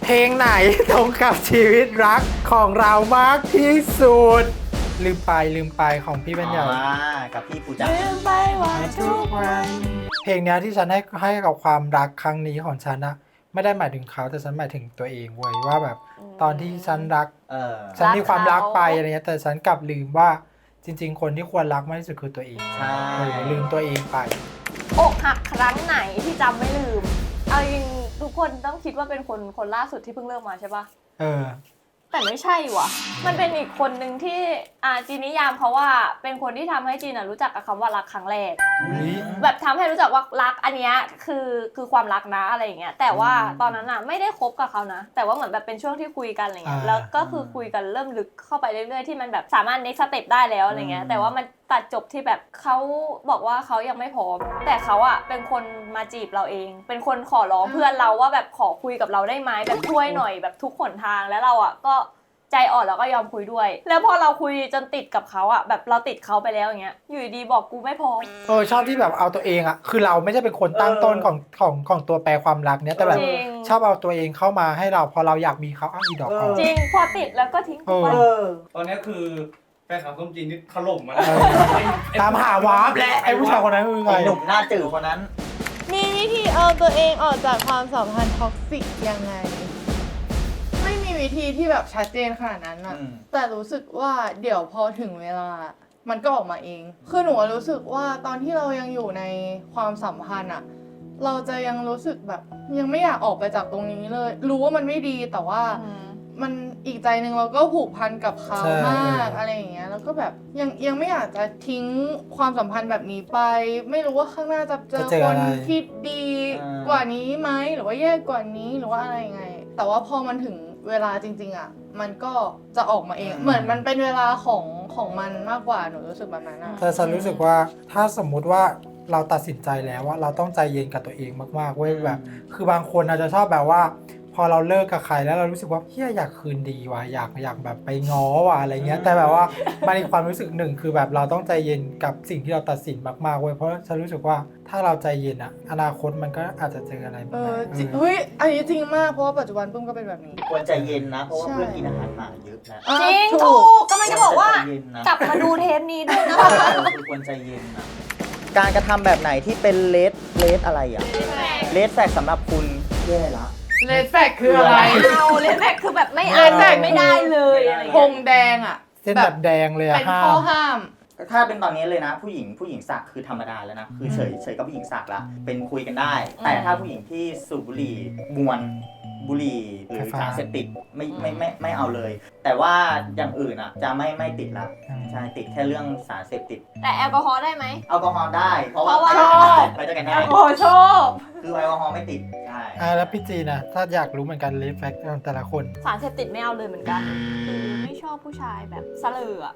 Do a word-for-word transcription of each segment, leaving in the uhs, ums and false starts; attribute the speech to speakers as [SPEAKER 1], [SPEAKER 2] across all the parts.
[SPEAKER 1] เพลงไหนตรงกับชีวิตรักของเรามากที่สุดลืมไปลืมไปของพี่เป็นใหญ่
[SPEAKER 2] กับพี่ปูจัก
[SPEAKER 3] ลืมไปว่าทุกวัน
[SPEAKER 1] เพลงเนี้ยที่ฉันให้ให้กับความรักครั้งนี้ของฉันนะไม่ได้หมายถึงเขาแต่ฉันหมายถึงตัวเองเว้ยว่าแบบตอนที่ฉันรัก
[SPEAKER 2] เออ
[SPEAKER 1] ฉันมีความรักไปอะไรเงี้ยแต่ฉันกลับลืมว่าจริงๆคนที่ควรรักมากที่สุดคือตัวเอง
[SPEAKER 2] ใช่
[SPEAKER 1] เออลืมตัวเองไป
[SPEAKER 3] อกหักครั้งไหนที่จำไม่ลืมเอาจริงทุกคนต้องคิดว่าเป็นคนคนล่าสุดที่เพิ่งเลิกมาใช่ปะ
[SPEAKER 1] เออ
[SPEAKER 3] แต่ไม่ใช่ว่ะมันเป็นอีกคนหนึ่งที่อ่าจีนนิยามเขาว่าเป็นคนที่ทำให้จีนรู้จักกับคำว่ารักครั้งแรก แบบทำให้รู้จักว่ารักอันเนี้ยคือคือความรักนะอะไรอย่างเงี้ยแต่ว่าตอนนั้นอ่ะไม่ได้คบกับเขานะแต่ว่าเหมือนแบบเป็นช่วงที่คุยกันอะไรเงี้ยแล้วก็คือคุยกันเริ่มลึกเข้าไปเรื่อยๆที่มันแบบสามารถ next step ได้แล้วอะไรเงี้ยแต่ว่ามันตัดจบที่แบบเขาบอกว่าเขายังไม่พร้อมแต่เขาอ่ะเป็นคนมาจีบเราเอง เป็นคนขอร้องเพื่อนเราว่าแบบขอคุยกับเราได้ไหมแบบช่วยหน่อยแบบทุกหนทางแล้วเราอ่ะก็ใจอ่อนแล้วก็ยอมคุยด้วยแล้วพอเราคุยจนติดกับเขาอ่ะแบบเราติดเขาไปแล้วอย่างเงี้ยอยู่ดีบอกกูไม่พร้อม
[SPEAKER 1] เออชอบที่แบบเอาตัวเองอะคือเราไม่ใช่เป็นคนตั้งต้นของของของตัวแปรความรักเนี้ยแต่แบบ
[SPEAKER 3] จริง
[SPEAKER 1] ชอบเอาตัวเองเข้ามาให้เราพอเราอยากมีเขาอ้าวอีดอกเอา
[SPEAKER 3] จริงพอติดแล้วก็ทิ้งไป
[SPEAKER 1] เออ
[SPEAKER 4] ตอนนี้คือแฟนคลับส้มจีนนี่ถล่มมา
[SPEAKER 1] เออตามหาวาร์ปและไอ้ผู้ชายคนนั้นคือใคร
[SPEAKER 2] ไอ้หนุ่มหน้าจืดคนนั้น
[SPEAKER 5] มีวิธีเอาตัวเองออกจากความสัมพันธ์ท็อกซิกยังไง ไม่มีวิธีที่แบบชัดเจนขนาดนั้นอะ
[SPEAKER 2] อืม
[SPEAKER 5] แต่รู้สึกว่าเดี๋ยวพอถึงเวลา มันก็ออกมาเอง คือหนูอะรู้สึกว่าตอนที่เรายังอยู่ในความสัมพันธ์อะเราจะยังรู้สึกแบบยังไม่อยากออกไปจากตรงนี้เลย รู้ว่ามันไม่ดีแต่ว่า มันอีกใจหนึ่งเราก็ผูกพันกับเขา
[SPEAKER 1] ใช่
[SPEAKER 5] มากอะไรอย่างเงี้ยแล้วก็แบบยังยังไม่อยากจะทิ้งความสัมพันธ์แบบนี้ไป ไม่รู้ว่าข้างหน้าจะเจอ
[SPEAKER 1] จะเจอ
[SPEAKER 5] ค
[SPEAKER 1] อะ
[SPEAKER 5] น
[SPEAKER 1] ไร
[SPEAKER 5] ที่ดี
[SPEAKER 2] อ่าก
[SPEAKER 5] ว่านี้ไหมหรือว่าแย่กว่านี้หรือว่าอะไรยังไง แต่ว่าพอมันถึงเวลาจริงๆอ่ะมันก็จะออกมาเอง เหมือนมันเป็นเวลาของของมันมากกว่าหนูรู้สึกแบบนั้นอะ
[SPEAKER 1] แต่ฉันรู้สึกว่าถ้าสมมุติว่าเราตัดสินใจแล้วว่าเราต้องใจเย็นกับตัวเองมากๆเว้ยแบบ คือบางคนอาจจะชอบแบบว่า พอเราเลิกกับใครแล้วเรารู้สึกว่าเฮียอยากคืนดีว่ะอยากอยากแบบไปง้อว่ะอะไรเงี้ยแต่แบบว่ามันมีความรู้สึกหนึ่งคือแบบเราต้องใจเย็นกับสิ่งที่เราตัดสินมากๆเว้ยเพราะฉันรู้สึกว่าถ้าเราใจเย็นอะอนาคตมันก็อาจจะเจออะไร
[SPEAKER 5] เอ
[SPEAKER 1] แบบ
[SPEAKER 5] อ
[SPEAKER 1] นั้น
[SPEAKER 5] จริง
[SPEAKER 1] เออ
[SPEAKER 5] เฮ้ยอันนี้จริงมากเพราะว่าปัจจุบันปุ้มก็เป็นแบบนี้
[SPEAKER 2] ควรใจเย็นนะ เพราะว่า
[SPEAKER 5] ใช่
[SPEAKER 2] เพื่อนกินอาหารหมาเยอะนะ
[SPEAKER 3] จริง
[SPEAKER 5] อ่ะ
[SPEAKER 3] ถูกก็ไม่จะบอกว่า
[SPEAKER 2] ใจเย็นนะ
[SPEAKER 3] กลับมาดูเทปนี้ด้วยนะ
[SPEAKER 2] เออคือควรใจเย็นนะ การกระทำแบบไหนที่เป็นเลสเลสอะไรอ่ะเลสแฟกสำหรับคุณแย่ละ
[SPEAKER 5] เลดแฟกคืออะไร
[SPEAKER 3] เอาเลยแม็กคือแบบไม่
[SPEAKER 5] เล
[SPEAKER 3] เอา
[SPEAKER 5] ดแฟก
[SPEAKER 3] ไม่ได้เลยอะไร
[SPEAKER 5] ธ
[SPEAKER 3] เงี้
[SPEAKER 5] ง
[SPEAKER 3] ย
[SPEAKER 5] แดงอะ
[SPEAKER 1] เส้นแบบแดงเลยอะ
[SPEAKER 5] เป็น
[SPEAKER 1] ห้า
[SPEAKER 5] ข้อ
[SPEAKER 1] ม
[SPEAKER 5] ห้าม
[SPEAKER 2] ถ้าเป็นตอนนี้เลยนะ ผู้หญิงผู้หญิงสักคือธรรมดาแล้วนะ คือเฉยเฉยกับผู้หญิงสักละเป็นคุยกันได้ แต่ถ้าผู้หญิงที่สูบบุหรี่มวนบุหรี่หรือสารเสพติดไม่ไม่ไม่ไม่เอาเลย แต่ว่าอย่างอื่นอ่ะจะไม่ไม่ติดละใช่ติดแค่เรื่องสารเสพติด
[SPEAKER 3] แต่แอลกอฮอล์ได้ไหม
[SPEAKER 2] แอลกอฮอล์ได้ เพราะว่า
[SPEAKER 3] เพราะว่า
[SPEAKER 2] ไปด้วยกันได้
[SPEAKER 3] โอ้โชอบ
[SPEAKER 2] คือแอลกอฮอล์ไม่ติดใช่
[SPEAKER 1] อ่าแล้วพี่จีนะถ้าอยากรู้เหมือนกันเลฟแฟกของแต่ละคน
[SPEAKER 3] สารเสพติดไม่เอาเลยเหมือนกันเออไม่ชอบผู้ชายแบบสลืออะ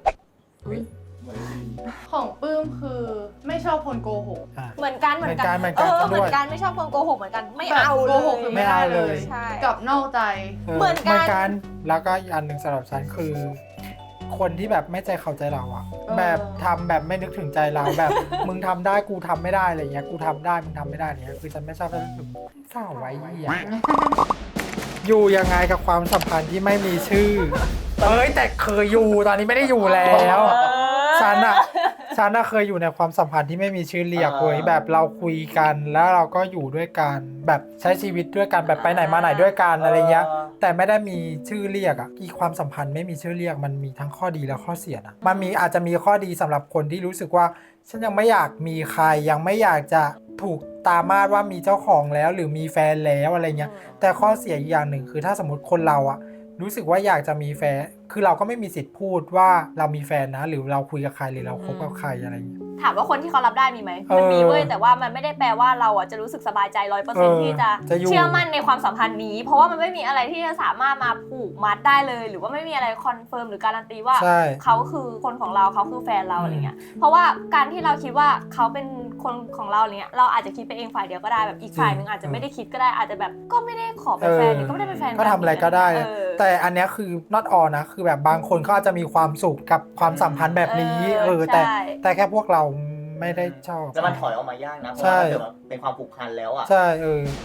[SPEAKER 5] ของปื้มคือไม่ชอบคนโกหก
[SPEAKER 1] อ่า
[SPEAKER 3] เหมือนกันเหมือนกัน
[SPEAKER 1] เหมือนกัน
[SPEAKER 3] เออ
[SPEAKER 1] เห
[SPEAKER 3] เห
[SPEAKER 1] มื
[SPEAKER 3] มื
[SPEAKER 1] อ
[SPEAKER 3] อน น
[SPEAKER 1] กั
[SPEAKER 3] กัน นไม่ชอบคนโกหกเหมือนกันไม่
[SPEAKER 5] แบบ
[SPEAKER 3] เอา
[SPEAKER 5] โก
[SPEAKER 3] เล
[SPEAKER 5] หก
[SPEAKER 3] ย
[SPEAKER 5] คือ
[SPEAKER 1] ไม่
[SPEAKER 5] ไม่
[SPEAKER 1] เอา
[SPEAKER 5] ได้
[SPEAKER 1] เล
[SPEAKER 5] เลย ย
[SPEAKER 3] ใช่
[SPEAKER 5] กับนอกใจ
[SPEAKER 3] เหมือนกัน
[SPEAKER 1] เหมือนกันแล้วก็อีกอันหนึ่งสำหรับฉันคือ คนที่แบบไม่ใจเขาใจเราอะ
[SPEAKER 5] เออ
[SPEAKER 1] แบบทำแบบไม่นึกถึงใจเราแบบ มึงทำได้กูทำไม่ได้อะไรเงี้ยกูทำได้มึงทำไม่ได้เนี้ยคือฉันไม่ชอบแล้วรู้สึกเศร้าไว้เหี้ยอยู่ยังไงกับความสัมพันธ์ที่ไม่มีชื่อเอ้ยแต่เคยอยู่ตอนนี้ไม่ได้อยู่แล้ว ฉันอะฉันอะเคยอยู่ในความสัมพันธ์ที่ไม่มีชื่อเรียกเว้ยแบบเราคุยกันแล้วเราก็อยู่ด้วยกันแบบใช้ชีวิตด้วยกันแบบไปไหนมาไหนด้วยกันอะไรเงี้ยแต่ไม่ได้มีชื่อเรียกอะอีความสัมพันธ์ไม่มีชื่อเรียกมันมีทั้งข้อดีและข้อเสียนะมันมีอาจจะมีข้อดีสำหรับคนที่รู้สึกว่าฉันยังไม่อยากมีใครยังไม่อยากจะถูกตามาดว่ามีเจ้าของแล้วหรือมีแฟนแล้วอะไรเงี้ยแต่ข้อเสียอีกอย่างหนึ่งคือถ้าสมมติคนเราอะรู้สึกว่าอยากจะมีแฟนคือเราก็ไม่มีสิทธิ์พูดว่าเรามีแฟนนะหรือเราคุยกับใครหรือเราคบกับใครอะไรอย่างเงี้ย
[SPEAKER 3] ถามว่าคนที่เขารับได้มีไหม
[SPEAKER 1] เออ
[SPEAKER 3] มันมีเว้ยแต่ว่ามันไม่ได้แปลว่าเราอ่ะจะรู้สึกสบายใจร้อยเปอร์
[SPEAKER 1] เอ
[SPEAKER 3] เซ็น
[SPEAKER 1] อ
[SPEAKER 3] ต์ที่จะ
[SPEAKER 1] จะอยู่
[SPEAKER 3] เชื่อมั่นในความสัมพันธ์นี้ เพราะว่ามันไม่มีอะไรที่จะสามารถมาผูกมัดได้เลย หรือว่าไม่มีอะไรคอนเฟิร์มหรือการันตีว่า
[SPEAKER 1] ใช่
[SPEAKER 3] เขาคือคนของเราเขาคือแฟนเรา
[SPEAKER 1] อืม
[SPEAKER 3] อะไรเงี้ยเพราะว่าการที่เราคิดว่าเขาเป็นคนของเราเนี้ยเราอาจจะคิดไปเองฝ่ายเดียวก็ได้แบบอีกฝ่ายหนึ่งอาจจะไม่ได้คิดก็ได้อาจจะแบบก็ไม่ได้ขอเป็นแฟนหรือก็ไม่ได้เป็นแฟน
[SPEAKER 1] ก็ทำอะไรก็ได้
[SPEAKER 3] เออ
[SPEAKER 1] แต่อันเนี้ยคือ not all นะคือแบบบางคนเขาอาจจะมีความสุขกับความสัมพันธ์แบบนี้
[SPEAKER 3] เออ
[SPEAKER 1] เออแต่
[SPEAKER 3] ใช่
[SPEAKER 1] แต่แค่พวกเราไม่ได้ชอบ
[SPEAKER 2] แล้วมันถอยออกมายากนะ เพราะ
[SPEAKER 1] ใช่
[SPEAKER 2] ว่าถ้าเกิดว่าเป็นความผูกพันแล้วอ่ะ
[SPEAKER 1] ใช่เออ
[SPEAKER 3] จ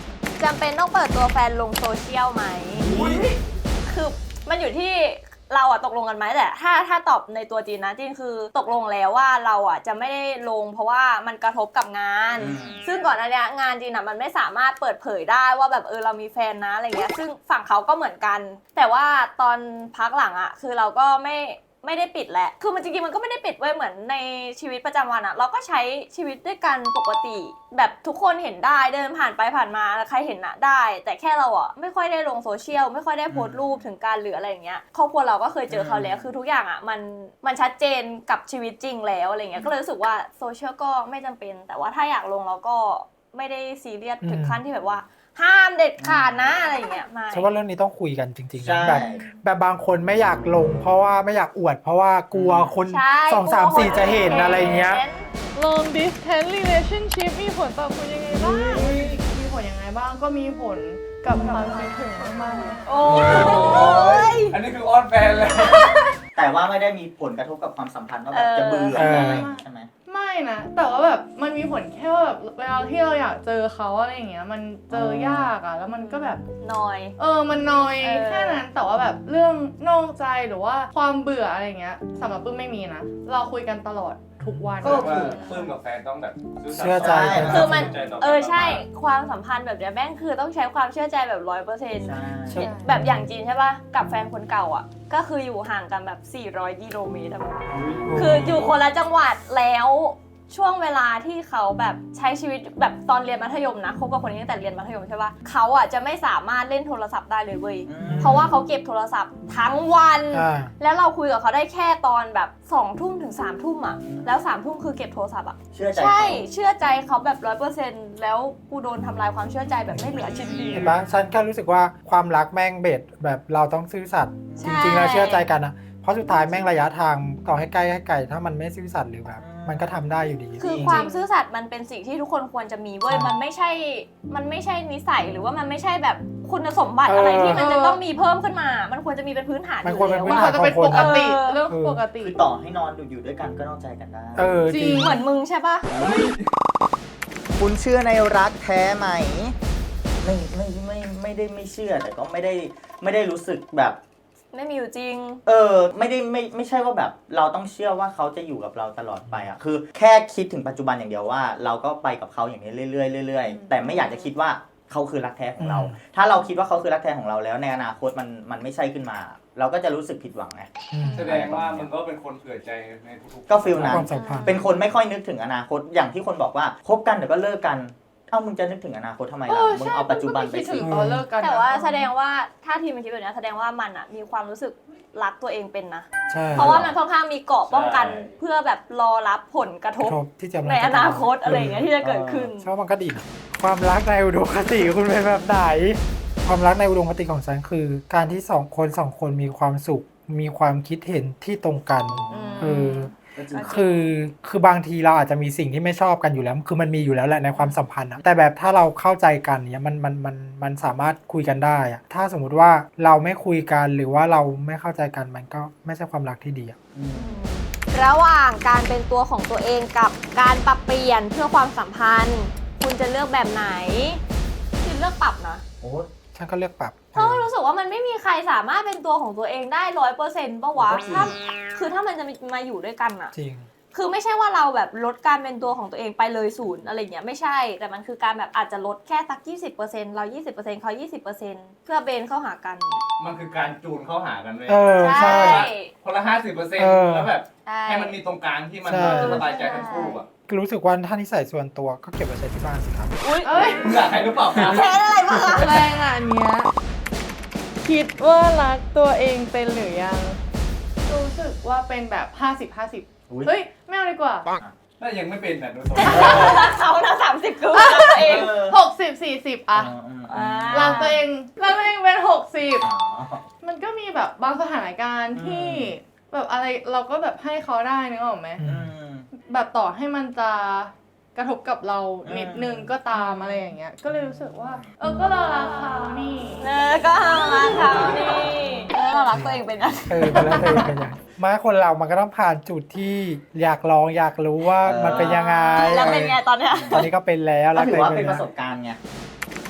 [SPEAKER 3] จำเป็นต้องเปิดตัวแฟนลงโซเชียลไหมคือมันอยู่ที่เราอะตกลงกันไหมแต่ถ้าถ้าตอบในตัวจีนนะจีนคือตกลงแล้วว่าเราอะจะไม่ได้ลงเพราะว่ามันกระทบกับงาน
[SPEAKER 2] อืม
[SPEAKER 3] ซึ่งก่อนหน้านี้งานจีนอะมันไม่สามารถเปิดเผยได้ว่าแบบเออเรามีแฟนนะอะไรเงี้ยซึ่งฝั่งเขาก็เหมือนกัน แต่ว่าตอนพักหลังอะคือเราก็ไม่ไม่ได้ปิดแหละคือมันจริงๆมันก็ไม่ได้ปิดไว้เหมือนในชีวิตประจำวันอะเราก็ใช้ชีวิตด้วยกันปกติ แบบทุกคนเห็นได้เดินผ่านไปผ่านมาใครเห็นอะได้ แต่แค่เราอะไม่ค่อยได้ลงโซเชียลไม่ค่อยได้โพสต์รูปถึงการหรืออะไรอย่างเงี้ยครอบครัวเราก็เคยเจอเขาแล้วคือทุกอย่างอะมันมันชัดเจนกับชีวิตจริงแล้วอะไรเงี้ยก็เลยรู้สึกว่าโซเชียลก็ไม่จำเป็น แต่ว่าถ้าอยากลงเราก็ไม่ได้ซีเรียสถึงขั้นที่แบบว่าห้ามเด็ดขาดนะอะไรอย่างเงี้ยไม่
[SPEAKER 1] ฉันว่าเรื่องนี้ต้องคุยกันจริงๆ
[SPEAKER 2] ใช่
[SPEAKER 1] นะแบบแบบบางคนไม่อยากลง เพราะว่าไม่อยากอวด เพราะว่ากลัวคน
[SPEAKER 3] ใช่
[SPEAKER 1] สองสามสี่จะเห็นอะไรเงี้ย
[SPEAKER 5] long distance relationship มีผลต่อคุณยังไงบ้างมีผลยังไงบ้างก็มีผลกับความคิดถึงมากๆเลย
[SPEAKER 3] โอ้ย
[SPEAKER 4] อันนี้คืออ้อนแฟนเลย
[SPEAKER 2] แต่ว่าไม่ได้มีผลกระทบกับความสัมพันธ์ว่าแบบจะเบื่อ
[SPEAKER 1] เออ
[SPEAKER 2] อะไรใช่ไหม
[SPEAKER 5] ไม่นะแต่ว่าแบบมันมีผลแค่ว่าแบบเวลาที่เราอยากเจอเขาอะไรอย่างเงี้ยมันเจอยากอะแล้วมันก็แบบ
[SPEAKER 3] หน่อย
[SPEAKER 5] เออมันน้อย
[SPEAKER 3] เออ
[SPEAKER 5] แค่นั้นแต่ว่าแบบเรื่องนอกใจหรือว่าความเบื่ออะไรอย่างเงี้ยสำหรับปื้มไม่มีนะเราคุยกันตลอดทุกวัน
[SPEAKER 2] ก็
[SPEAKER 4] ว่าปลื้มกับแฟนต้องแบบซื่สัตย์
[SPEAKER 1] เชื่อใจ
[SPEAKER 2] กัน
[SPEAKER 3] คือมัน
[SPEAKER 4] ใจต่กั
[SPEAKER 3] เออใช่ความสัมพันธ์แบบเนี้ยแม่งคือต้องใช้ความเชื่อใจแบบร้อยเปอร์เซ็นต์
[SPEAKER 2] ใช่
[SPEAKER 3] แบบอย่างจีนใช่ป่ะกับแฟนคนเก่าอ่ะก็คืออยู่ห่างกันแบบสี่ร้อยกิโลเมตรอะคืออยู่คนละจังหวัดแล้วช่วงเวลาที่เขาแบบใช้ชีวิตแบบตอนเรียนมัธยมนะคบกับคนนี้ตั้งแต่เรียนมัธยมใช่ป่ะเขาอ่ะจะไม่สามารถเล่นโทรศัพท์ได้เลยเว้ย
[SPEAKER 2] อืม
[SPEAKER 3] เพราะว่าเขาเก็บโทรศัพท์ทั้งวัน
[SPEAKER 1] อ่า
[SPEAKER 3] แล้วเราคุยกับเขาได้แค่ตอนแบบสองทุ่มถึงสามทุ่มอ่ะแล้วสามทุ่มคือเก็บโทรศัพท์อ่ะ
[SPEAKER 2] เชื่อใจ
[SPEAKER 3] ใช่
[SPEAKER 2] เขา
[SPEAKER 3] เชื่อใจเขาแบบร้อยเปอร์เซ็นต์แล้วกูโดนทำลายความเชื่อใจแบบไม่เหลือชิ้นดี
[SPEAKER 1] เห็นปะฉันแค่รู้สึกว่าความรักแม่งเบ็ดแบบเราต้องซื่อสัตย์จริงๆแล้วเชื่อใจกันนะเพราะสุดท้ายแม่งระยะทางต่อให้ใกล้ให้ไกลถ้ามันไม่ซื่อสัตย์หรือแบบมันก็ทำได้อยู่ดี
[SPEAKER 3] คือความซื่อสัตย์มันเป็นสิ่งที่ทุกคนควรจะมีเว้ย
[SPEAKER 1] ใช่
[SPEAKER 3] มันไม่ใช่มันไม่ใช่นิสัยหรือว่ามันไม่ใช่แบบคุณสมบัติ
[SPEAKER 1] เอออ
[SPEAKER 3] อะไรที่มันจะต้องมีเพิ่มขึ้นมา มันควรจะมีเป็นพื้นฐาน
[SPEAKER 1] มันควรเป็น
[SPEAKER 3] อยู่
[SPEAKER 1] พื้น
[SPEAKER 3] แล้ว
[SPEAKER 1] ฐา
[SPEAKER 3] อะ
[SPEAKER 5] มันจะเป็นปกติ
[SPEAKER 3] เออ
[SPEAKER 5] เรื่องปกติ
[SPEAKER 2] คือต่อให้นอนอยู่ด้วยกันก็นอกใจกันได้
[SPEAKER 1] เออจ
[SPEAKER 5] จริ
[SPEAKER 1] ริง
[SPEAKER 5] ง
[SPEAKER 3] เหมือนมึงใช่ปะ
[SPEAKER 2] คุณเชื่อในรักแท้ไหมไม่ไม่ไม่ไม่ได้ไม่เชื่อแต่ก็ไม่ได้ไม่ได้รู้สึกแบบ
[SPEAKER 3] ไม่มีอยู่จริง
[SPEAKER 2] เออไม่ได้ไม่ไม่ใช่ว่าแบบเราต้องเชื่อว่าเขาจะอยู่กับเราตลอดไปอ่ะคือแค่คิดถึงปัจจุบันอย่างเดียวว่า เราก็ไปกับเขาอย่างนี้เรื่อยๆเรื่อยๆแต่ไม่อยากจะคิดว่าเขาคือรักแท้ของเรา
[SPEAKER 1] อืม
[SPEAKER 2] ถ้าเราคิดว่าเขาคือรักแท้ของเราแล้วในอนาคตมันมันไม่ใช่ขึ้นมา เราก็จะรู้สึกผิดหวังไง
[SPEAKER 1] อืม
[SPEAKER 4] แสดงว่ามึงก็เป็นคนเผื่อใจในทุกๆ
[SPEAKER 2] ก็ฟีลนั้น
[SPEAKER 1] ความสัมพันธ์
[SPEAKER 2] เป็นคนไม่ค่อยนึกถึงอนาคตอย่างที่คนบอกว่าคบกันเดี๋ยวก็เลิกกันเอ้ามึงจะนึกถึงอนาคตทำไม
[SPEAKER 5] เอ
[SPEAKER 2] ล่ะ
[SPEAKER 5] อ
[SPEAKER 2] มึง
[SPEAKER 5] ใช่
[SPEAKER 2] เอาปัจจุบันไป
[SPEAKER 5] คิด
[SPEAKER 2] สิ
[SPEAKER 5] ถึงตอนเลิกกันนะ
[SPEAKER 3] แต่ว่าแสดงว่าถ้าทีมมันคิดแบบนี้แสดงว่ามันอะมีความรู้สึกรักตัวเองเป็นนะ
[SPEAKER 1] ใช่
[SPEAKER 3] เพราะว่ามันค่อนข้างมีเกราะป้องกันเพื่อแบบรอรับผลกระท
[SPEAKER 1] ก
[SPEAKER 3] บ
[SPEAKER 1] ระทบที่จะม
[SPEAKER 3] ในอนาคตอะไรอย่างเงี้ยที่จะเกิดขึ้น
[SPEAKER 1] ชอบมันก็ดีนะความรักในอุดมคติคุณเป็นแบบไหน ความรักในอุดมคติของฉันคือ การที่สองคนสองคนมีความสุข มีความคิดเห็นที่ตรงกัน
[SPEAKER 3] อืม
[SPEAKER 1] เออ
[SPEAKER 2] ก็จริง
[SPEAKER 1] คือคือบางทีเราอาจจะมีสิ่งที่ไม่ชอบกันอยู่แล้ว คือมันมีอยู่แล้วแหละในความสัมพันธ์อะแต่แบบถ้าเราเข้าใจกันเนี่ยมันมันมันมันสามารถคุยกันได้อะถ้าสมมุติว่าเราไม่คุยกันหรือว่าเราไม่เข้าใจกันมันก็ไม่ใช่ความรักที่ดีอะ
[SPEAKER 2] อืม
[SPEAKER 3] ระหว่างการเป็นตัวของตัวเองกับการปรับเปลี่ยนเพื่อความสัมพันธ์ คุณจะเลือกแบบไหนคือเลือกปรับนะ
[SPEAKER 2] โอ้
[SPEAKER 1] ฉันก็เลือกปรับ
[SPEAKER 3] เพราะว่ารู้สึกว่ามันไม่มีใครสามารถเป็นตัวของตัวเองได้ร้อยเปอร์เซ็นต์ปะวะถ้าคือถ้ามันจะมาอยู่ด้วยกันอะ
[SPEAKER 1] จริง
[SPEAKER 3] คือไม่ใช่ว่าเราแบบลดการเป็นตัวของตัวเองไปเลยศูนย์อะไรเงี้ยไม่ใช่ แต่มันคือการแบบอาจจะลดแค่สักยี่สิบเปอร์เซ็นต์เรายี่สิบเปอร์เซ็นต์เขายี่สิบเปอร์เซ็นต์เพื่อเบนเข้าหากัน
[SPEAKER 4] มันคือการจูนเข้าหากันเลย
[SPEAKER 1] เออใช่
[SPEAKER 4] คนละห้าสิบเปอร์เซ็น
[SPEAKER 1] เอ
[SPEAKER 4] ต์
[SPEAKER 1] อ
[SPEAKER 4] แล้วแบบ
[SPEAKER 3] ใช่
[SPEAKER 4] ให้มันมีตรงกลางที่มัน
[SPEAKER 1] ใช่
[SPEAKER 4] จะสบายใจทั้งคู่อ่ะ
[SPEAKER 1] รู้สึกว่าถ้านิสัยส่วนตัวก็เก็บไว้ใช้ที่บ้านสิครับ
[SPEAKER 3] อุ้ย
[SPEAKER 5] เอ้ย
[SPEAKER 4] มึงอยากให้หรือเปล่าครับ
[SPEAKER 3] แพ้อะไรบ้างอะ
[SPEAKER 5] แรงอ่ะอันเนี้ยคิดว่ารักตัวเองเป็นหรือยัง รู้สึกว่าเป็นแบบห้าสิบห้าสิบ
[SPEAKER 2] อุ๊ย
[SPEAKER 5] เฮ้ยไม่เอาดีกว่า
[SPEAKER 4] ถ้ายังไม่เป็นแต่ดูสม
[SPEAKER 3] รักเขานะสามสิบคือรักตัวเอง
[SPEAKER 2] เออ
[SPEAKER 5] หกสิบสี่สิบอะ
[SPEAKER 2] อืมอืม
[SPEAKER 3] อ่า
[SPEAKER 5] รักตัวเองรักตัวเองเป็นหกสิบ
[SPEAKER 2] อ๋อ
[SPEAKER 5] มันก็มีแบบบางสถานการณ์ที่แบบอะไรเราก็แบบให้เขาได้นึกออกไหม
[SPEAKER 1] อื
[SPEAKER 2] อืม
[SPEAKER 5] แบบต่อให้มันจะกระทบกับเรานิดนึง
[SPEAKER 2] อืม
[SPEAKER 5] ก็ตามอะไรอย่างเงี้ย ก็เลยรู้สึกว่า เออก็เรารักเขานี่
[SPEAKER 3] เออก็รักเขานี่เออเรารักตัวเองเป็นอะ
[SPEAKER 1] เออเป็นแล้วตัวเองเป็นยังไงมาคนเรามันก็ต้องผ่านจุดที่อยากลองอยากรู้ว่ามันเป็นยังไง
[SPEAKER 3] แล้วเป็นไงตอนเนี้ย
[SPEAKER 1] ตอนนี้ก็เป็นแล้ว
[SPEAKER 2] ก็ถือว่า
[SPEAKER 1] รักตัว
[SPEAKER 2] เป็น
[SPEAKER 1] ง
[SPEAKER 2] ประสบการณ์ไง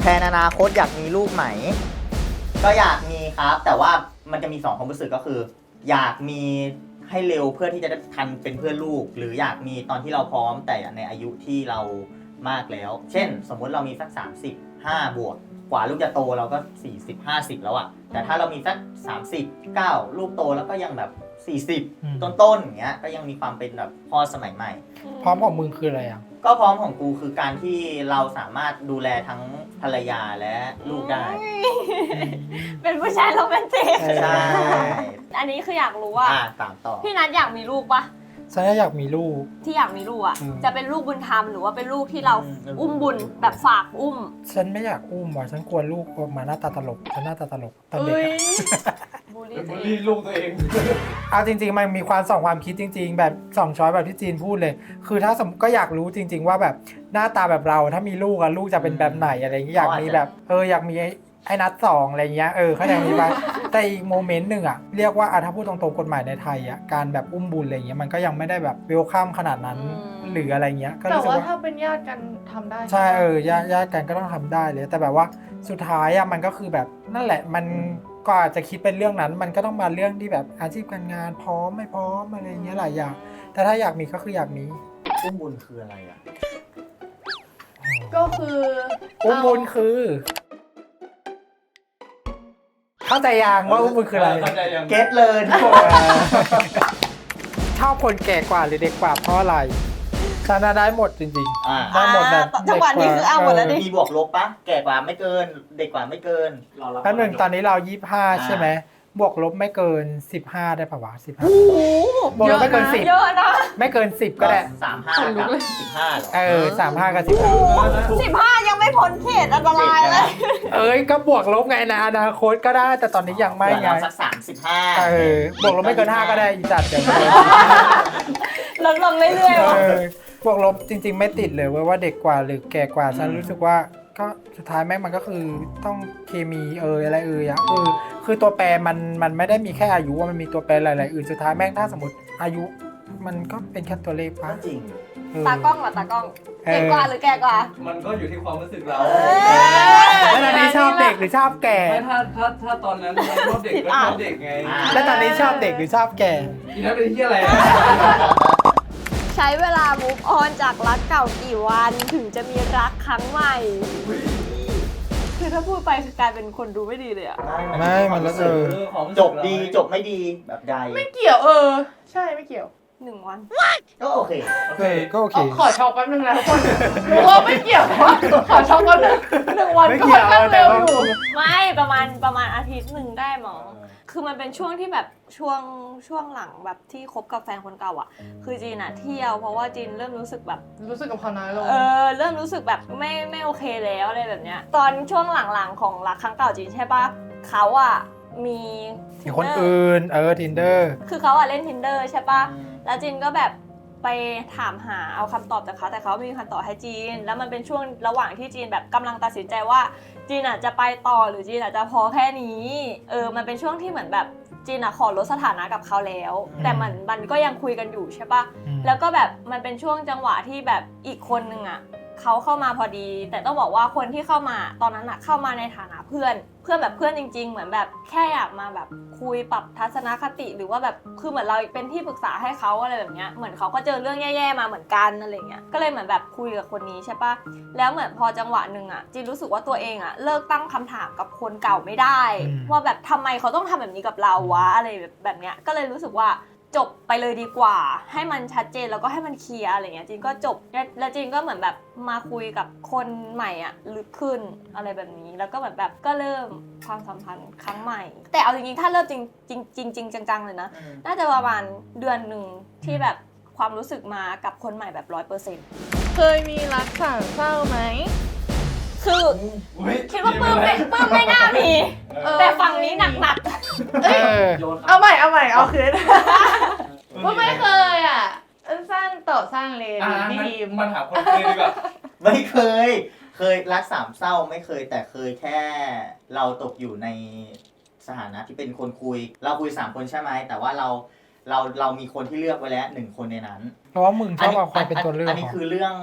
[SPEAKER 2] แทนอนาคตอยากมีลูกไหมก็อยากมีครับ แต่ว่ามันจะมีสองความรู้สึกก็คือ อยากมีให้เร็วเพื่อที่จะได้ทันเป็นเพื่อนลูก หรืออยากมีตอนที่เราพร้อมแต่ในอายุที่เรามากแล้ว เช่น สมมุติเรามีสักสามสิบห้าบวกกว่าลูกจะโตเราก็สี่สิบ ห้าสิบแล้วอะแต่ถ้าเรามีสักสามสิบเก้าลูกโตแล้วก็ยังแบบสี่สิบ
[SPEAKER 1] อืม
[SPEAKER 2] ต้นๆอย่างเงี้ยก็ยังมีความเป็นแบบพ่อสมัยใหม่
[SPEAKER 1] พร้อมของมึงคืออะไรอ่ะ
[SPEAKER 2] ก็พร้อมของกูคือการที่เราสามารถดูแลทั้งภรรยาและลูกได้
[SPEAKER 3] เป็นผู้ชายโรแมนติก
[SPEAKER 1] เออ
[SPEAKER 2] ใช่
[SPEAKER 3] อันนี้คืออยากรู้ว่า
[SPEAKER 2] อ่าตามต่อ
[SPEAKER 3] พี่นัทอยากมีลูกปะ
[SPEAKER 1] ฉันอยากมีลูก
[SPEAKER 3] ที่อยากมีลูกอ่ะ
[SPEAKER 1] อืม
[SPEAKER 3] จะเป็นลูกบุญธรรมหรือว่าเป็นลูกที่เราอุ้มบุญแบบฝากอุ้ม
[SPEAKER 1] ฉันไม่อยากอุ้มว่ะฉันกลัวลูกออกมาหน้าตาตลกฉันหน้าตาตลกตอนเด็ก
[SPEAKER 3] เอ้ย
[SPEAKER 1] อะ
[SPEAKER 3] บูลลี่
[SPEAKER 4] เป็น
[SPEAKER 3] ตัว
[SPEAKER 4] บูล
[SPEAKER 3] เอ
[SPEAKER 4] ลี่
[SPEAKER 3] ง
[SPEAKER 4] ลูกตัวเอง
[SPEAKER 1] เอาจริงๆมันมีความสองความคิดจริง ๆ แบบสองช้อยแบบที่จีนพูดเลย คือถ้าสมมติก็อยากรู้จริง ๆ ว่าแบบหน้าตาแบบเราถ้ามีลูกอะลูกจะเป็นแบบไหนอะไรอย่างเงี้ยอยากมีแบบเอออยากมีไอ้ไอ้นัดสองอะไรเงี้ยเออเขาอย่างนี้ไป แต่อีกโมเมนต์หนึ่งอะเรียกว่าอะถ้าพูดตรงๆกฎหมายในไทยอะการแบบอุ้มบุญอะไรเงี้ยมันก็ยังไม่ได้แบบเวลคัมขนาดนั้นหรืออะไรเงี้ยก็
[SPEAKER 5] แต่
[SPEAKER 1] รู้สึก
[SPEAKER 5] ว่า
[SPEAKER 1] ว่า
[SPEAKER 5] ถ้าเป็นญาติกันทำได้
[SPEAKER 1] ใช่
[SPEAKER 5] ไหม
[SPEAKER 1] เออญาติญาติกันก็ต้องทำได้เลย แต่แบบว่าสุดท้ายอะมันก็คือแบบนั่นแหละมันก็อาจจะคิดเป็นเรื่องนั้น มันก็ต้องมาเรื่องที่แบบอาชีพการงานพร้อมไม่พร้อมอะไรเงี้ยหลายอย่างแต่ถ้าอยากมีก็คืออยากมี
[SPEAKER 2] อุ้มบุญคืออะไรอ่ะ
[SPEAKER 5] ก็คือ
[SPEAKER 1] อุ้มบุญคือ เข้าใจยังว่าอุ้มบุญคืออะไร
[SPEAKER 4] เข้าใจยัง
[SPEAKER 2] เก็ตเลยทุกคน
[SPEAKER 1] ชอบคนแก่กว่าหรือเด็กกว่าเพราะอะไรชนะได้หมดจริง
[SPEAKER 2] อ่า
[SPEAKER 1] ๆได้หมดแบบ
[SPEAKER 3] อ่าจังหวะนี้คือเอาหมดแล้วดิ
[SPEAKER 2] มีบวกลบปะแก่กว่าไม่เกิน เด็กกว่าไม่เกิน
[SPEAKER 1] แป๊บหนึ่งตอนนี้เรายี่สิบห้า
[SPEAKER 2] อ่า
[SPEAKER 1] ใช่ไหมบวกลบไม่เกินสิบห้าได้ปะวะสิบห้า
[SPEAKER 3] โอ้โห
[SPEAKER 1] บวกลบไม่เกินสิบ
[SPEAKER 3] เยอะนะ
[SPEAKER 1] ไม่เกินสิบก็ได้
[SPEAKER 2] สามห้ากับสิบห้าหรอ
[SPEAKER 1] เออสามห้ากับสิบห้า
[SPEAKER 3] สิบห้ายังไม่พ้นเขตอันตรายเลย
[SPEAKER 1] เอ้ยก็บวกลบไงนะอนาคตก็ได้แต่ตอนนี้ยังไม่ไง
[SPEAKER 2] สักสามสิบห้า
[SPEAKER 1] เออบวกลบไม่เกินห้าก็ได้อีจัดเดี๋ยว
[SPEAKER 3] ลดลงเรื่อยๆว่ะ
[SPEAKER 1] เออบวกลบจริง ๆ ไม่ติดเลยเว้ยว่าเด็กกว่าหรือแก่กว่าฉันรู้สึกว่าก็สุดท้ายแม่งมันก็คือต้องเคมีเอออะไรเอออะคือคือตัวแปรมันมันไม่ได้มีแค่อายุว่ามันมีตัวแปรหลายๆอื่นสุดท้ายแม่งถ้าสมมติอายุ มันก็เป็นแค่ตัวเลขปะ
[SPEAKER 2] ก็จริง
[SPEAKER 1] เออ
[SPEAKER 3] ตากล้องเหรอตากล้อง
[SPEAKER 1] เออ
[SPEAKER 3] เด็กกว่าหรือแก่กว่า
[SPEAKER 4] มันก็อยู่ที่ความรู้สึกเรา
[SPEAKER 1] แล้วตอนนี้ชอบเด็กหรือชอบแก่
[SPEAKER 4] ไม่ถ้าถ้าถ้าตอนนั้นเราชอบเด็กก็ชอบเด็กไง
[SPEAKER 1] แล้วตอนนี้ชอบเด็กหรือชอบแก่
[SPEAKER 4] อีนั้นเป็นที่อะไรอะ
[SPEAKER 3] ใช้เวลา move on จากรักเก่ากี่วันถึงจะมีรักครั้งใหม่ คือถ้าพูดไปคือกลายเป็นคนดูไม่ดีเลยอะ
[SPEAKER 1] ไม่มันแล้วเออ
[SPEAKER 4] ความรู้สึก
[SPEAKER 2] จบดีจบไม่ดีแบบใด
[SPEAKER 5] ไม่เกี่ยวเออ ใช่ไม่เกี่ยว
[SPEAKER 3] หนึ่งวัน
[SPEAKER 2] ก็โอเค
[SPEAKER 4] โอเค
[SPEAKER 1] เออก็โอเค
[SPEAKER 5] เอาขอช็อกแป๊บนึงนะทุกคนรู้ว่าไม่เกี่ยวนะขอช็อกแป๊บนึงหนึ่งวัน
[SPEAKER 1] ไม่
[SPEAKER 5] ก็
[SPEAKER 1] เกี่
[SPEAKER 5] ค่
[SPEAKER 1] ย
[SPEAKER 5] อ
[SPEAKER 1] วน
[SPEAKER 5] ข้างเร็วอยู่
[SPEAKER 3] ไม่ประมาณประมาณอาทิตย์หนึ่งได้หมอ คือมันเป็นช่วงที่แบบช่วงช่วงหลังแบบที่คบกับแฟนคนเก่าอ่ะ คือจีนอะเที่ยวเพราะว่าจีนเริ่มรู้สึกแบบ
[SPEAKER 5] รู้สึกกับเขาน้อยลง
[SPEAKER 3] เออเริ่มรู้สึกแบบไม่ไม่โอเคแล้วอะไรแบบเนี้ย ตอนช่วงหลังๆของรักครั้งเก่าจีนใช่ปะเขาอะมี
[SPEAKER 1] มีคนอื่น เออ tinder
[SPEAKER 3] คือเขาอะเล่น tinder ใช่ปะแล้วจีนก็แบบไปถามหาเอาคำตอบจากเขาแต่เขาไม่มีคำตอบให้จีน แล้วมันเป็นช่วงระหว่างที่จีนแบบกำลังตัดสินใจว่าจีนอะจะไปต่อหรือจีนอะจะพอแค่นี้เออมันเป็นช่วงที่เหมือนแบบจีนอะขอลดสถานะกับเขาแล้ว
[SPEAKER 1] อืม
[SPEAKER 3] แต่มันมันก็ยังคุยกันอยู่ใช่ปะ
[SPEAKER 1] อืม
[SPEAKER 3] แล้วก็แบบมันเป็นช่วงจังหวะที่แบบอีกคนนึงอะเขาเข้ามาพอดี แต่ต้องบอกว่าคนที่เข้ามาตอนนั้นอะเข้ามาในฐานะเพื่อน เพื่อนแบบเพื่อนจริง ๆ เหมือนแบบแค่อยากมาแบบคุยปรับทัศนคติหรือว่าแบบคือเหมือนเราเป็นที่ปรึกษาให้เขาอะไรแบบเนี้ยเหมือนเขาก็เจอเรื่องแย่ๆมาเหมือนกันอะไรเงี้ยก็เลยเหมือนแบบคุยกับคนนี้ใช่ปะแล้วเหมือนพอจังหวะหนึ่งอะจีนรู้สึกว่าตัวเองอะเลิกตั้งคำถามกับคนเก่าไม่ได้
[SPEAKER 1] อืม
[SPEAKER 3] ว่าแบบทำไมเขาต้องทำแบบนี้กับเราวะอะไรแบบแบบเนี้ยก็เลยรู้สึกว่าจบไปเลยดีกว่า ให้มันชัดเจนแล้วก็ให้มันเคลียร์อะไรเงี้ยจีนก็จบแล้วแล้วจีนก็เหมือนแบบมาคุยกับคนใหม่อ่ะลึกขึ้นอะไรแบบนี้แล้วก็แบบแบบก็เริ่มความสัมพันธ์ครั้งใหม่ แต่เอาจริงๆถ้าเริ่มจริงจริงจริงจริงจังๆเลยนะน่าจะประมาณเดือนหนึ่งที่แบบความรู้สึกมากับคนใหม่แบบร้อยเปอร์เซ็นต์
[SPEAKER 5] เคยมีรักสามเศร้าไหม
[SPEAKER 3] คือ
[SPEAKER 4] อุ๊ย
[SPEAKER 3] คิดว่าปื้มไม่ปื้มไม่น่ามี
[SPEAKER 5] เออ
[SPEAKER 3] แต่ฝั่งนี้หนัก
[SPEAKER 1] เออ
[SPEAKER 4] โยน
[SPEAKER 5] เอาใหม่เอาใหม่เอาคืน
[SPEAKER 4] ว่า
[SPEAKER 5] ว่าไม่เคยอ่ะสร้างต่อสร้างเลย
[SPEAKER 4] อ่า
[SPEAKER 5] ดี
[SPEAKER 4] งั้น
[SPEAKER 5] ดีม
[SPEAKER 4] มันหาคนคุยดีกว่า
[SPEAKER 2] ไม่เคย เคยรักสามเศร้าไม่เคยแต่เคยแค่เราตกอยู่ในสถานะที่เป็นคนคุย เราคุยสามคนใช่ไหมแต่ว่าเราเราเรามีคนที่เลือกไว้แล้วหนึ่งคนในนั้น
[SPEAKER 1] เพราะว่ามึงชอบเอาความเป็นตัวเลือก
[SPEAKER 2] อันนี้
[SPEAKER 1] ของ
[SPEAKER 2] คือเรื่อง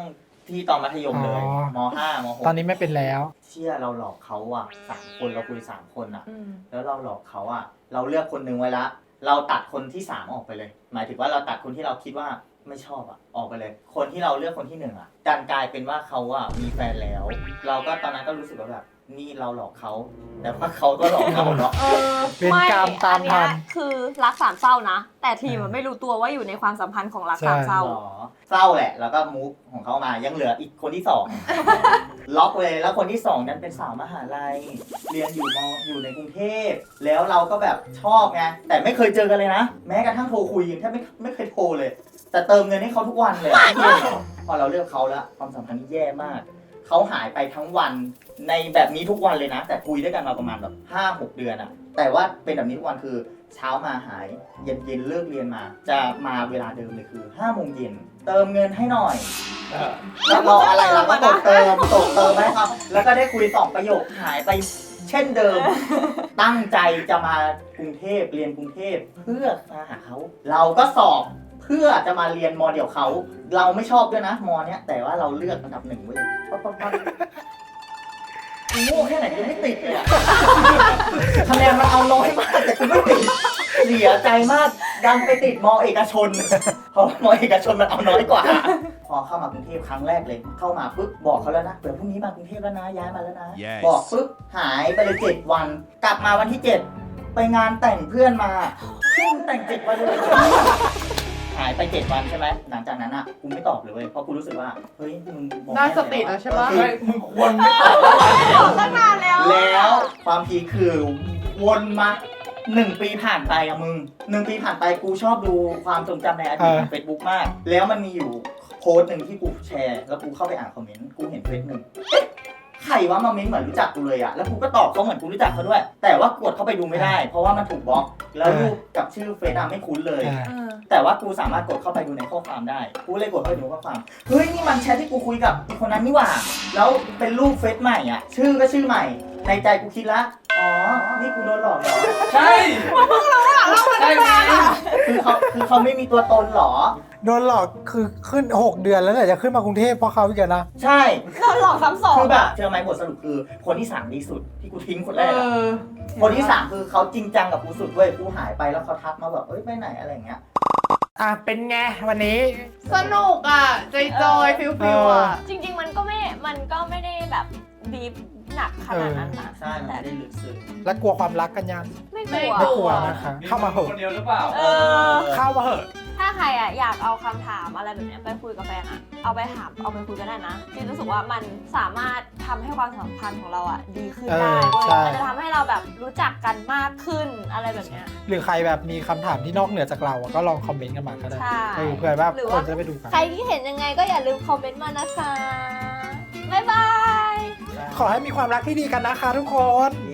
[SPEAKER 2] ที่ตอนมัธยมเลย
[SPEAKER 1] อ๋อ
[SPEAKER 2] มห้ามหก
[SPEAKER 1] ตอนนี้ไม่เป็นแล้ว
[SPEAKER 2] เชื่อเราหลอกเขาอ่ะสามคนเราคุยสามคนอ่ะ
[SPEAKER 3] อืม
[SPEAKER 2] แล้วเราหลอกเขาอ่ะ เราเลือกคนหนึงไว้ละ เราตัดคนที่สามออกไปเลย หมายถึงว่าเราตัดคนที่เราคิดว่าไม่ชอบอ่ะออกไปเลย คนที่เราเลือกคนที่หนึ่งอ่ะดันกลายเป็นว่าเขาอ่ะมีแฟนแล้ว เราก็ตอนนั้นก็รู้สึกว่าแบบนี่เราหลอกเขาแต่ว่าเขาก็หลอกเราเนาะ
[SPEAKER 3] เออ
[SPEAKER 1] เวรกรรมตามทัน
[SPEAKER 3] อัเนี้ยคือรักสามเศร้านะ แต่ทีมมันไม่รู้ตัวว่าอยู่ในความสัมพันธ์ของรักสามเศร้า
[SPEAKER 2] หรอเศร้าแหละ แล้วก็มูฟของเขามายังเหลืออีกคนที่สอง ล็อกเลยแล้วคนที่สองนั้นเป็นสาวมหาลัย เรียนอยู่มอยู่ในกรุงเทพแล้วเราก็แบบชอบไงแต่ไม่เคยเจอกันเลยนะ แม้กระทั่งโทรคุยยังแทบไม่ไม่เคยโทรเลย แต่เติมเงินให้เขาทุกวันเลยอะพอเราเลือกเขาแล้วความสัมพันธ์นี่แย่มากเขาหายไปทั้งวันในแบบนี้ทุกวันเลยนะ แต่คุยด้วยกันมาประมาณแบบห้าหกเดือนอะแต่ว่าเป็นแบบนี้ทุกวันคือเช้ามาหายเย็นเย็นเลิกเรียนมา จะมาเวลาเดิมเลยคือห้าโมงเย็นเติมเงินให้หน่อย
[SPEAKER 4] เออ
[SPEAKER 2] แล้วรออะไรเราก็กดเติมกดเติมให้เขาแล้วก็ได้คุยสองประโยคหายไปเช่นเดิม ตั้งใจจะมากรุงเทพเรียนกรุงเทพเพื่อมาหาเขาเราก็สอบเพื่อจะมาเรียนมอเดียวเขาเราไม่ชอบด้วยนะมอเนี้ยแต่ว่าเราเลือกอันดับหนึ่งไว้เลยปั๊บปั๊บปั๊บโง่แค่ไหนยังไม่ติดเลยอะ คะแนนมันเอาน้อยมากแต่กูไม่ติดเสียใจมากดันไปติดมอเอกชน เพราะมอเอกชนมันเอาน้อยกว่า พอเข้ามากรุงเทพครั้งแรกเลย เข้ามาปุ๊บบอกเขาแล้วนะเดี๋ยวพรุ่งนี้มากรุงเทพแล้วนะย้ายมาแล้วนะ
[SPEAKER 6] Yes
[SPEAKER 2] บอกปุ๊บหายไปเลยเจ็ดวัน กลับมาวันที่เจ็ดไปงานแต่งเพื่อนมาเพื่อนแต่งเจ็ดวันเลย หายไปเจ็ดวันใช่ไหมหลังจากนั้นอ่ะกูไม่ตอบเลยเว้ยเพราะกูรู้สึกว่าเฮ้ยมึงบอก
[SPEAKER 5] ได้สติแล้วใช่ปะ
[SPEAKER 2] เออ
[SPEAKER 4] ไม่มึงควรไม่ตอบแล้ว
[SPEAKER 3] ตั้งนานแล้ว
[SPEAKER 2] แล้วความพีคคือวนมาหนึ่งปีผ่านไปอะมึงหนึ่งปีผ่านไปกูชอบดูความทรงจำในอดีต
[SPEAKER 1] เออ
[SPEAKER 2] ของเฟซบุ๊กมาก แล้วมันมีอยู่โพสต์หนึ่งที่กูแชร์แล้วกูเข้าไปอ่านคอมเมนต์กูเห็นเฟซหนึ่งเอ๊ะใครวะมาเม้นเหมือนรู้จักกูเลยอะแล้วกูก็ตอบเขาเหมือนกูรู้จักเขาด้วย แต่ว่ากดเข้าไปดูไม่ได้ เพราะว่ามันถูกบล็อกแล้วรูปกับชื่อเฟซอะไม่คุ้นเลย
[SPEAKER 1] อ่า
[SPEAKER 3] เออ
[SPEAKER 2] แต่ว่ากูสามารถกดเข้าไปดูในข้อความได้ กูเลยกดเข้าไปดูข้อความ เฮ้ยนี่มันแชทที่กูคุยกับอีกคนนั้นนี่หว่า แล้วเป็นรูปเฟซใหม่อ่ะ ชื่อก็ชื่อใหม่ ในใจกูคิดละ อ๋อ นี่กูโดนหลอกเหรอ
[SPEAKER 4] ใช่ใช่ไหม
[SPEAKER 2] คือเขาคือเขาไม่มีตัวตนเหรอ
[SPEAKER 1] โดนหลอกคือขึ้นหกเดือนแล้วเนี่ยจะขึ้นมากรุงเทพเพราะเขาอีกแล้วนะ
[SPEAKER 2] ใช่
[SPEAKER 3] โดนหลอกซ้ำสอง
[SPEAKER 2] คือแบบเจอไหมบทสรุปคือคนที่สามดีสุดที่กูทิ้งคนแร
[SPEAKER 5] เอก
[SPEAKER 2] อะ
[SPEAKER 5] อ
[SPEAKER 2] คนที่สามคือเขาจริงจังกับกูสุดเว้ย กูหายไปแล้วเขาทักมาแบบเอ้ยไปไหนอะไรอย่างเงี้ย
[SPEAKER 1] อ่ะเป็นไงวันนี้
[SPEAKER 5] สนุกอ่ะจอยจอยฟิลฟิลอ่ะ
[SPEAKER 3] จริง ๆ มันก็ไม่ มันก็ไม่ได้แบบดีฟหนักขนาดนั้นนะ
[SPEAKER 2] ใช่มัน
[SPEAKER 3] แต่
[SPEAKER 2] ไม่ได้ลึกซึ้ง
[SPEAKER 1] แล้วกลัวความรักกันยัง
[SPEAKER 3] ไม่ก
[SPEAKER 5] ไม่
[SPEAKER 3] ลัว
[SPEAKER 1] ไม่กลัวนะคะ เข้ามาเห
[SPEAKER 4] ค
[SPEAKER 1] อะ
[SPEAKER 4] นเดียวหรือเปล่า
[SPEAKER 3] เออ
[SPEAKER 1] เข้ามาเหอะ
[SPEAKER 3] ถ้าใครอ่ะอยากเอาคำถามอะไรแบบเนี้ยไปคุยกับแฟนอ่ะ เอาไปถาม เอาไปคุยก็ได้นะจริงรู้สึกว่ามันสามารถทำให้ความสัมพันธ์ของเราอ่ะดีขึ้นได้
[SPEAKER 1] เออ
[SPEAKER 3] เว้ย
[SPEAKER 1] ใช่
[SPEAKER 3] มันจะทำให้เราแบบรู้จักกันมากขึ้นอะไรแบบเนี้ย
[SPEAKER 1] หรือใครแบบมีคำถามที่นอกเหนือจากเราอะก็ลองคอมเมนต์กันมาก็ได้
[SPEAKER 3] ใช่
[SPEAKER 1] เออเผื่อว่า
[SPEAKER 3] หรือ
[SPEAKER 1] ค
[SPEAKER 3] ว่า
[SPEAKER 1] นจะไปดูกัน
[SPEAKER 3] ใครที่เห็นยังไงก็อย่าลืมคอมเมนต์มานะคะ บ๊ายบาย
[SPEAKER 1] ขอให้มีความรักที่ดีกันนะคะทุกคน
[SPEAKER 2] เ